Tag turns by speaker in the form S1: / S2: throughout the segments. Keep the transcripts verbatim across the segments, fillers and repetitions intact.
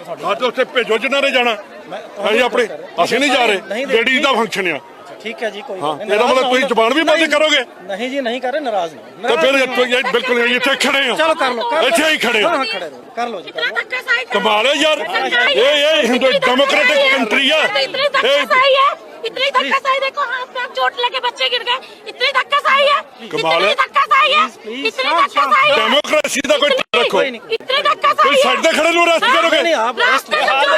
S1: हाँ तो उत्थे भेजो जिन्हां ने जाना ਅਸੀਂ ਆਪਣੇ ਅਸੀਂ नहीं जा रहे लेडीज का फंक्शन है
S2: ठीक है जी कोई
S1: हाँ ਇਹਦਾ मतलब ਤੁਸੀਂ ਜ਼ਬਾਨ ਵੀ ਬੰਦ ਕਰੋਗੇ
S2: नहीं जी नहीं कर रहे नाराज नहीं
S1: तो फिर ਇੱਥੋਂ ਇਹ ਬਿਲਕੁਲ ਇੱਥੇ ਖੜੇ ਹੋ
S2: चलो कर लो
S1: ਇੱਥੇ ਹੀ ਖੜੇ ਹੋ
S2: हाँ खड़े रहो कर लो जी
S1: कमाल है यार ये ये हिंदू डेमोक्रेटिक कंट्री है
S3: इतनी धक्काशाही देखो हाथ में चोट लगे बच्चे गिर गए इतनी धक्काशाही है
S1: कमाल है
S3: धक्काशाही है इतनी धक्काशाही है
S1: डेमोक्रेसी का कोई रखो
S3: इतनी धक्काशाही
S1: कोई साइड पे खड़े लो रेस्ट करोगे
S2: नहीं आप रेस्ट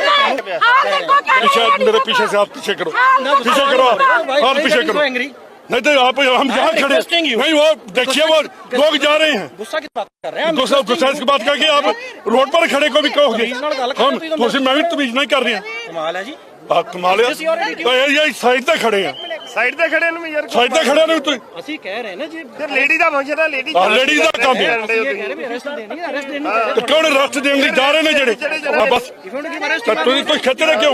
S1: पीछे मेरे पीछे से आप पीछे करो पीछे करो और पीछे करो नहीं तो आप हम यहाँ खड़े नहीं वो देखिए वो लोग जा रहे हैं
S2: गुस्सा की बात कर रहे हैं
S1: गुस्सा गुस्सा की बात करके आप रोड पर खड़े को भी कहोगे हम तो मैं भी तमीज नहीं कर रही हैं
S2: कमाल है जी
S1: कमाल है तो ये साइड पे खड़े हैं
S4: ਸਾਈਡ ਤੇ ਖੜੇ ਨੂੰ ਯਾਰ
S1: ਸਾਈਡ ਤੇ ਖੜੇ ਨੇ ਤੁਸੀਂ
S2: ਅਸੀਂ ਕਹਿ ਰਹੇ ਨੇ ਜੀ
S4: ਫਿਰ ਲੇਡੀ ਦਾ ਫੰਕਸ਼ਨ ਹੈ ਲੇਡੀ
S1: ਹਾਂ ਲੇਡੀ ਦਾ ਕੰਮ ਹੈ
S2: ਇਹ ਕਹਿ ਰਹੇ ਵੀ ਅਰੈਸਟ ਦੇਣੀ ਹੈ ਅਰੈਸਟ ਦੇਣੀ ਹੈ
S1: ਤੇ ਕਿਉਂ ਰਸਤ ਦੇਣ ਲਈ ਜਾ ਰਹੇ ਨੇ ਜਿਹੜੇ ਹਾਂ ਬਸ ਤਾਂ ਤੁਸੀਂ ਕੋਈ ਖੱਤਰ ਕਿਉਂ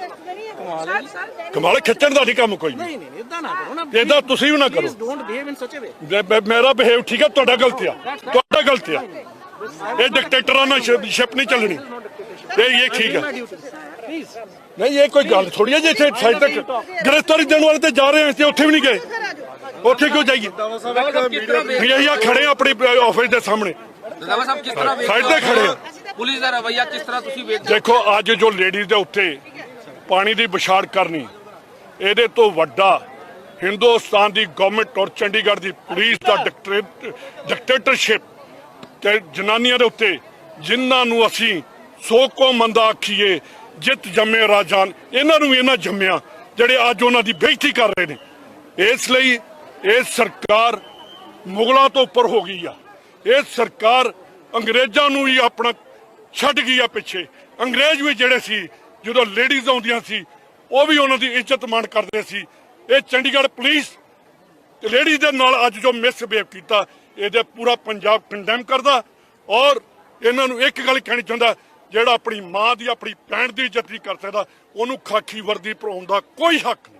S1: ਕਮਾਲ ਖੱਤਰ ਦਾ ਨਹੀਂ ਕੰਮ ਕੋਈ
S2: ਨਹੀਂ ਨਹੀਂ ਇਦਾਂ ਨਾ ਕਰੋ ਨਾ
S1: ਇਦਾਂ ਤੁਸੀਂ ਵੀ ਨਾ ਕਰੋ
S2: ਡੋਨਟ ਬਿਹੇਵ ਇਨ ਸੱਚ ਅ ਵੇ
S1: ਮੇਰਾ ਬਿਹੇਵ ਠੀਕ ਹੈ ਤੁਹਾਡਾ ਗਲਤ ਆ ਤੁਹਾਡਾ ਗਲਤ ਆ ਇਹ ਡਿਕਟੇਟਰਾਂ ਨਾਲ ਸ਼ਿਪ ਨਹੀਂ ਚੱਲਣੀ ਇਹ ਇਹ ਠੀਕ ਹੈ
S2: ਪਲੀਜ਼
S1: नहीं ये कोई गल थोड़ी है जी इतने साइड तक गिरफ्तारी देने वाले तो जा रहे हैं उत्थे भी नहीं गए उत्थे क्यों जाइए यही खड़े हैं अपने ऑफिस के सामने साइड ते खड़े हैं
S5: पुलिस का रवैया किस तरह तुसी ਵੇਖਦੇ
S1: देखो अज जो लेडीज के उत्ते पानी की विछाड़ करनी ਇਹਦੇ ਤੋਂ ਵੱਡਾ हिंदुस्तान की गवर्नमेंट और चंडीगढ़ की पुलिस का डिक्टेटरशिप ते जनानियां दे उत्ते जिन्हां नूं असीं सौ को मंदा आखीए जित जम्मे राजान इन्हां नूं इन्हां जम्मिया जिहड़े अज उन्हां दी बेइज्जती कर रहे ने इसलिए ये सरकार मुगलों तो उपर हो गई आ ये सरकार अंग्रेज़ों नूं ही अपना छड्ड गई आ पिछे अंग्रेज भी जिहड़े सी जदों लेडीज़ आउंदियां सी वो भी उन्हां दी इज्जत मान करदे सी ये चंडीगढ़ पुलिस ते लेडीज़ दे नाल अज जो मिसबिहेव कीता इहदे पूरा पंजाब कंडेम करदा और इन्हां नूं एक गल कहनी चाहुंदा ਜਿਹੜਾ ਆਪਣੀ ਮਾਂ ਦੀ ਆਪਣੀ ਭੈਣ ਦੀ ਇੱਜ਼ਤ ਨਹੀਂ ਕਰ ਸਕਦਾ ਉਹਨੂੰ ਖਾਕੀ ਵਰਦੀ ਪਰਾਉਣ ਦਾ ਕੋਈ ਹੱਕ ਨਹੀਂ।